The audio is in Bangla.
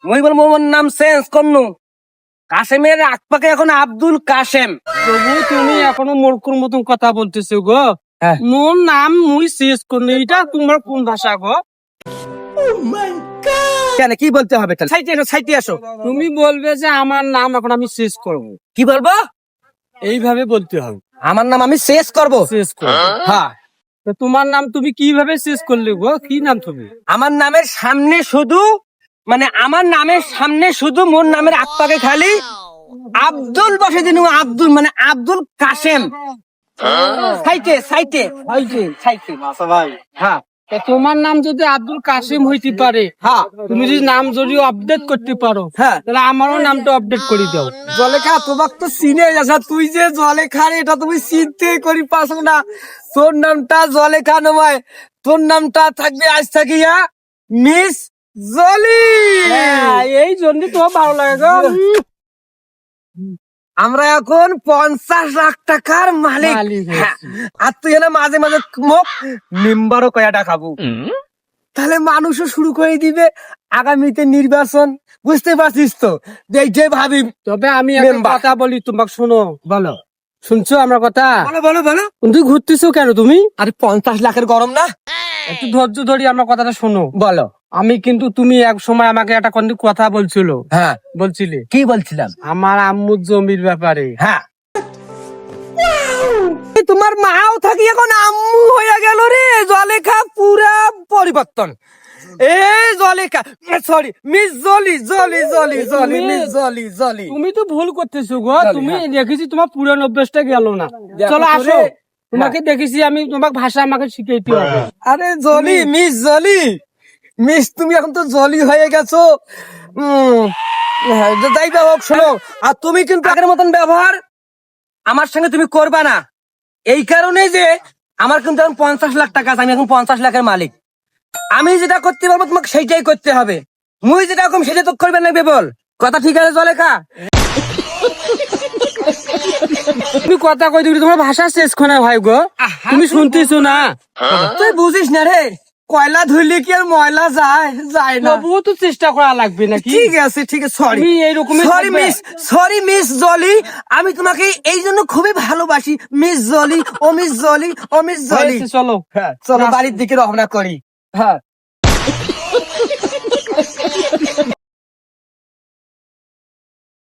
মুই বলবো মোর নাম চেঞ্জ করনু, কাশেমের আকপাকে এখন আব্দুল কাশেম। প্রভু তুমি এখনো মূর্খর মতন কথা বলতেছো গো। হ্যাঁ। মোর নাম মুই শেষ করনি, এটা তোমার কোন ভাষা গো? কেন কি বলতে হবে? সাইটে এসো, সাইটে আসো। তুমি বলবে যে আমার নাম এখন আমি শেষ করব, কি বলবো? এইভাবে বলতে হবে। আমার নাম আমি শেষ করব। শেষ করব, হ্যাঁ। তো তোমার নাম তুমি কিভাবে শেষ করলে গো? কি নাম তুমি? আমার নামের সামনে শুধু, মানে আমার নামের সামনে শুধু মোর নামের আকপাকে খালি আব্দুল বসে দিন, আব্দুল মানে আব্দুল কাশেম। সাইটে সাইটে সাইটে সাইটে। হ্যাঁ তো তোমার নাম যদি আব্দুল কাসিম হইতে পারে, হ্যাঁ তুমি যদি নাম যদি আপডেট করতে পারো, হ্যাঁ। তাহলে আমারও নামটা আপডেট করে দাও। জলেখা তোমাকে তো চিনে যাচ্ছ, তুই যে জলেখা রে এটা তুমি চিনতে করি পাস না। তোর নামটা জলেখা নয়, তোর নামটা থাকবে আজ থাকিয়া মিস জলি। হ্যাঁ, এই জন্য তোমার ভালো লাগে গো। আমরা এখন 50 লাখ টাকার মালিক। মালিক হয়েছি। হ্যাঁ, আর তুই না মাঝে মাঝে মুখ মেম্বারও কয়াটা খাবো, তাহলে মানুষও শুরু করে দিবে আগামীতে নির্বাচন। বুঝতে পারছিস তো? যে ভাবি। তবে আমি একটা মেম্বার। কথা বলি, তোমাকে শোনো। বলো শুনছো আমার কথা? বলো বলো বলো। তুই ঘুরতেছো কেন তুমি? আরে 50 লাখের গরম না? একটু ধৈর্য ধরি আমার কথাটা শোনো। বলো। আমি কিন্তু, তুমি এক সময় আমাকে একটা কথা বলছিল, হ্যাঁ বলছিলে কি বলছিলাম? আমার আম্মুর জমির ব্যাপারে। হ্যাঁ তোমার মাও থাকি এখন আম্মু হয়ে গেল রে। জলেখা পুরা পরিবর্তন। এই Zulekha, sorry Miss Jolly Jolly Jolly Jolly Miss Jolly Jolly. তুমি তো ভুল করতেছো গো। চল, তুমি হ্যাঁ। দেখেছি তোমার পুরানো অভ্যাসটা গেল না। দেখো চলো তো আসো, রে। তোমাকে দেখেছি আমি, তোমাকে ভাষা আমাকে শিখাইতে হবে। আরে জলি মিস জলি মিস, তুমি এখন তো জলি হয়ে গেছো। হ্যাঁ, যাই বা হোক শোনো, আর তুমি কিন্তু আগের মতন ব্যবহার আমার সঙ্গে তুমি করবা না। এই কারণে যে আমার কিন্তু এখন 50 লাখ টাকা আছে, আমি এখন 50 লাখের মালিক। আমি যেটা করতে পারবো তোমাকে সেইটাই করতে হবে। মুই যেটা কম সেটা তো করবে না বল। কথা ঠিক আছে জলেখা? তুমি কথা কই দিবি, তোমার ভাষা শেষ খনে ভাই গো। তুমি শুনতেছো না? তুই বুঝিস না রে, কয়লা ধুইলে কি আর ময়লা যায়? যায় না। তবুও তো চেষ্টা করা লাগবে নাকি? ঠিক আছে ঠিক আছে, সরি তুমি এইরকমই সরি থাকবে। Miss, sorry Miss Jolly. আমি তোমাকে এই জন্য খুবই ভালোবাসি মিস জলি। ও মিস জলি, ও মিস জলি। হয়েছে, চলো। হ্যাঁ চলো বাড়ির দিকে রওনা করি। হ্যাঁ।